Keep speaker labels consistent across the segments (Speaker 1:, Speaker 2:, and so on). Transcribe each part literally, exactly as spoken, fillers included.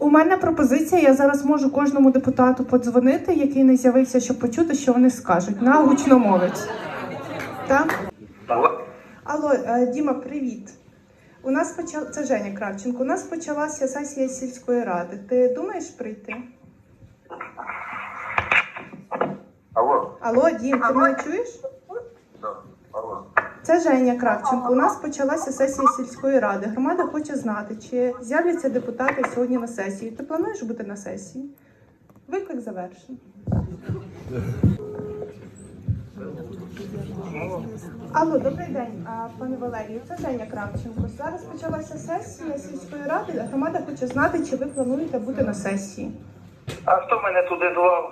Speaker 1: У мене пропозиція, я зараз можу кожному депутату подзвонити, який не з'явився, щоб почути, що вони скажуть, на гучномовець. Так?
Speaker 2: Алло.
Speaker 1: Алло, е, Діма, привіт. У нас почала... Це Женя Кравченко. У нас почалася сесія сільської ради. Ти думаєш прийти?
Speaker 2: Алло.
Speaker 1: Алло, Дім, ти мене чуєш?
Speaker 2: Да. Алло.
Speaker 1: Це Женя Кравченко. У нас почалася сесія сільської ради. Громада хоче знати, чи з'являться депутати сьогодні на сесії. Ти плануєш бути на сесії? Виклик завершений. Алло, добрий день, а, пане Валерію. Це Женя Кравченко. Зараз почалася сесія сільської ради. Громада хоче знати, чи ви плануєте бути на сесії.
Speaker 2: А хто мене туди звав?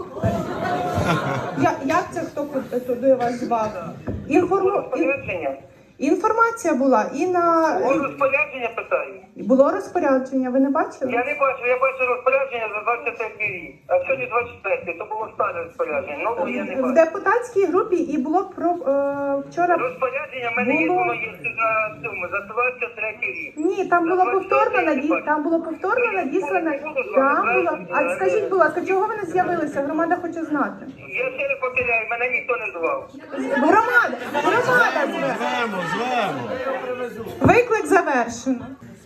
Speaker 1: Я, як це хто куди- туди вас звав? Інформу... ін-
Speaker 2: Розпорядження?
Speaker 1: Інформація була і на...
Speaker 2: О, розпорядження питаю.
Speaker 1: Було розпорядження, ви не бачили?
Speaker 2: Я не бачу, я бачу розпорядження за двадцять третій рік. А сьогодні двадцять четвертий, то було старе розпорядження. Ну, я не
Speaker 1: В
Speaker 2: бачу.
Speaker 1: депутатській групі і було про е, вчора.
Speaker 2: Розпорядження в мене є,
Speaker 1: Було.
Speaker 2: воно є на цьому, за двадцять третій рік.
Speaker 1: Ні, там було повторно наді... там було повторно надіслане. Там було. А скажіть, будь ласка, чого ви не з'явилися? Громада хоче знати.
Speaker 2: Я ще не повторяю, мене ніхто не звав.
Speaker 1: Громада, громада зве.
Speaker 3: Звемо, звемо.
Speaker 1: Виклик завершено.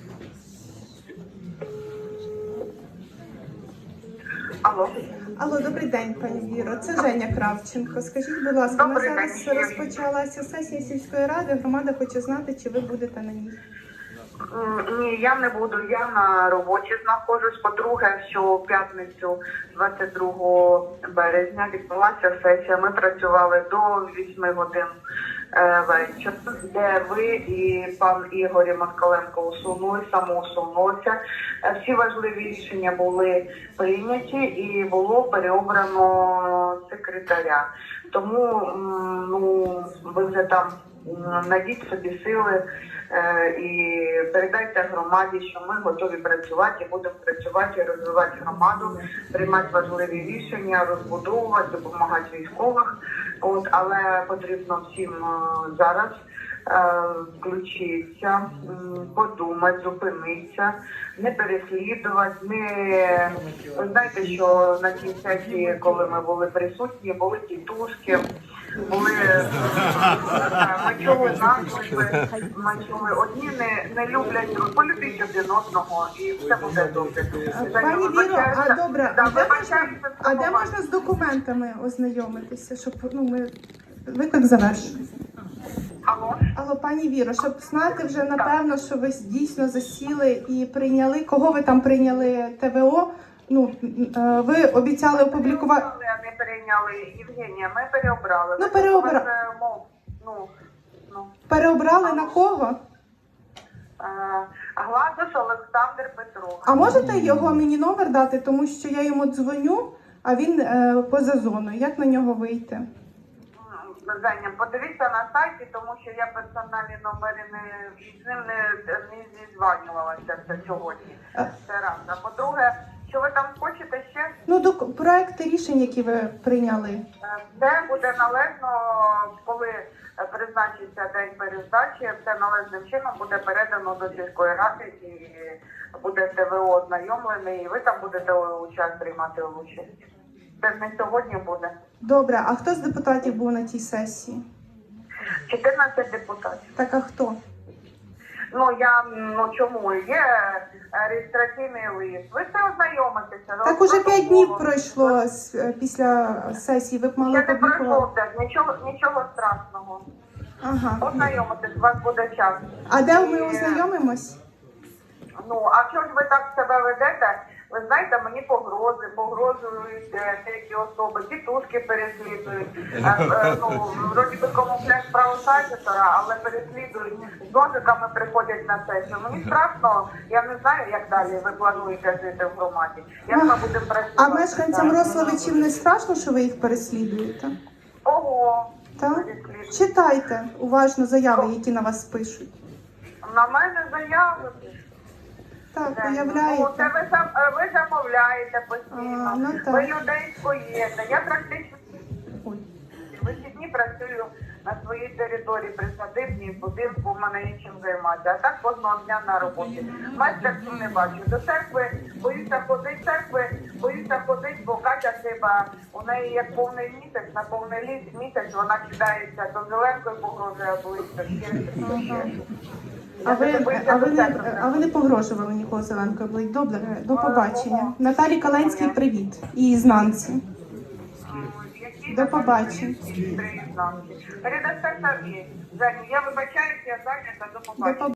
Speaker 2: Алло.
Speaker 1: Алло, добрий день, пані Віро. Це Женя Кравченко. Скажіть, будь ласка, у нас
Speaker 2: Добрий
Speaker 1: зараз
Speaker 2: день.
Speaker 1: розпочалася сесія сільської ради. Громада хоче знати, чи ви будете на ній.
Speaker 4: М, Ні, я не буду. Я на роботі знаходжусь. По-друге, що в п'ятницю, двадцять другого березня, відбулася сесія. Ми працювали до вісьми годин е, вечора, де ви і пан Ігор Москаленко усунули, самоусунулися. Е, Всі важливі рішення були прийняті і було переобрано секретаря. Тому м, ну, ви вже там м, найдіть собі сили е, і передайте громаді, що ми готові працювати і будемо працювати і розвивати громаду, приймати важливі рішення, розбудовувати, допомагати військових. От, але потрібно всім е, зараз е, включитися, м, подумати, зупинитися, не переслідувати, не ви знаєте, що на цій сесії, коли ми були присутні, були тітушки, були е, ми чули наклепи, ми чули одні не, не люблять друг, полюбіть один одного і все буде добре.
Speaker 1: Пані Віро, а добре,
Speaker 4: Да,
Speaker 1: а де можна,
Speaker 4: вибачаюся,
Speaker 1: а де
Speaker 4: слова.
Speaker 1: можна з документами ознайомитися, щоб ну ми виклик завершений.
Speaker 4: Алло?
Speaker 1: Алло, пані Віро, щоб знати вже напевно, що ви дійсно засіли і прийняли. Кого ви там прийняли Т В О? Ну е, ви обіцяли опублікувати.
Speaker 4: Переобрали, не перейняли, Євгенія, ми переобрали.
Speaker 1: Ну, переобра-
Speaker 4: Ми, е, мов, ну, ну,
Speaker 1: Переобрали на кого?
Speaker 4: е, Гладус Олександр Петрович.
Speaker 1: А можете його мені номер дати, тому що я йому дзвоню, а він е, поза зоною. Як на нього вийти?
Speaker 4: М, Женя, подивіться на сайті, тому що я персональні номери не з ним не, не зізванювалася це сьогодні.
Speaker 1: Е.
Speaker 4: Це раз. А по-друге, що ви там хочете ще?
Speaker 1: Ну, до проекти рішень, які ви прийняли.
Speaker 4: Е, Це буде належно, коли е, призначиться день перездачі, це належним чином буде передано до сільської ради і буде Т В О ознайомлений, і ви там будете участь приймати участь. Це ж не сьогодні буде.
Speaker 1: Добре, а хто з депутатів був на тій сесії?
Speaker 4: чотирнадцять депутатів.
Speaker 1: Так, а хто?
Speaker 4: Ну я ну чому є е, реєстраційний лист. Ви це ознайомитеся.
Speaker 1: Так уже п'ять днів пройшло з, е, після сесії, ви б мали
Speaker 4: Ще не пройшло
Speaker 1: опублікувати.
Speaker 4: п'ять, нічого, нічого страшного.
Speaker 1: Ага.
Speaker 4: Ознайомитесь, у вас буде час.
Speaker 1: А де ми
Speaker 4: І,
Speaker 1: ознайомимось?
Speaker 4: Ну, а чого ж ви так себе ведете? Ви знаєте, мені погрози, погрожують е, деякі особи, тітушки переслідують. Е, е, ну, вроді би камуфляж правосадітора, але переслідують. З ножиками приходять на сесію. Мені страшно, я не знаю, як далі ви плануєте жити в громаді. Як ми будемо працювати?
Speaker 1: А мешканцям Рославичів не страшно, що ви їх переслідуєте?
Speaker 4: Ого!
Speaker 1: Так?
Speaker 4: Переслідують.
Speaker 1: Читайте уважно заяви, які на вас пишуть.
Speaker 4: На мене заяви.
Speaker 1: Так,
Speaker 4: Ну, це
Speaker 1: уявляєте.
Speaker 4: ви, зам- е, ви замовляєте постійно,
Speaker 1: А, ну так.
Speaker 4: ви людей скоєте. Я практично
Speaker 1: Ой.
Speaker 4: вихідні працюю на своїй території присадибній будинку, в мене є чим займатися. А так кожного дня на роботі. Майстерцю не бачу. До церкви боюся ходити, церкви боюся ходити, бо Катя Сиба, у неї як повний місяць, на повний ліс місяць вона кидається до зеленкою, погрожує близько.
Speaker 1: А ви, а, ви не, а ви не погрожували нікого Зеленкою Блик? Добре, до побачення. Наталі Каленській привіт. І знанці. До побачення.
Speaker 4: Передасте Сергій. Женю, я вибачаюся, я зайнята, до
Speaker 1: До
Speaker 4: побачення.
Speaker 1: побачення.